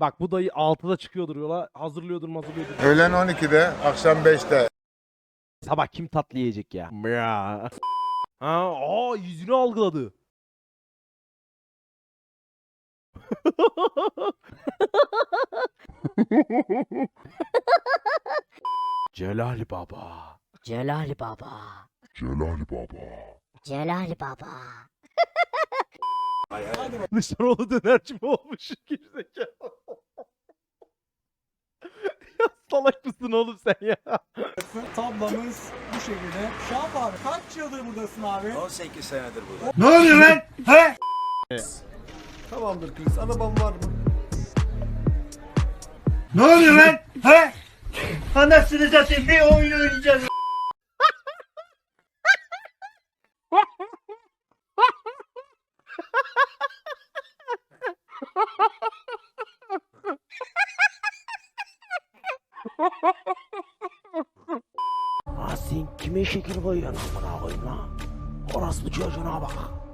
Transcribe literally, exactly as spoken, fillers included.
Bak bu dayı altıda çıkıyordur yola. Hazırlıyordur hazırlıyordur. Öğlen on ikide, akşam beşte. Sabah kim tatlı yiyecek ya? Ya. Ha, aa yüzünü algıladı. Celal Baba. Celal Baba. Celal Baba. Celal Baba. Dışarıoğlu dönerci mi olmuş? Gerizekalı. Ya salak mısın oğlum sen ya? Tablamız bu şekilde. Şahap abi kaç yıldır buradasın abi? on sekiz senedir burada. Ne oluyor lan? He? Tamamdır Chris. Arabam var mı? Ne oluyor lan? He? Anasını satayım bir oyun oynayacağız. Ha sen kime şekil koyuyorsun amına koyayım lan? Orospu çocuğuna bak.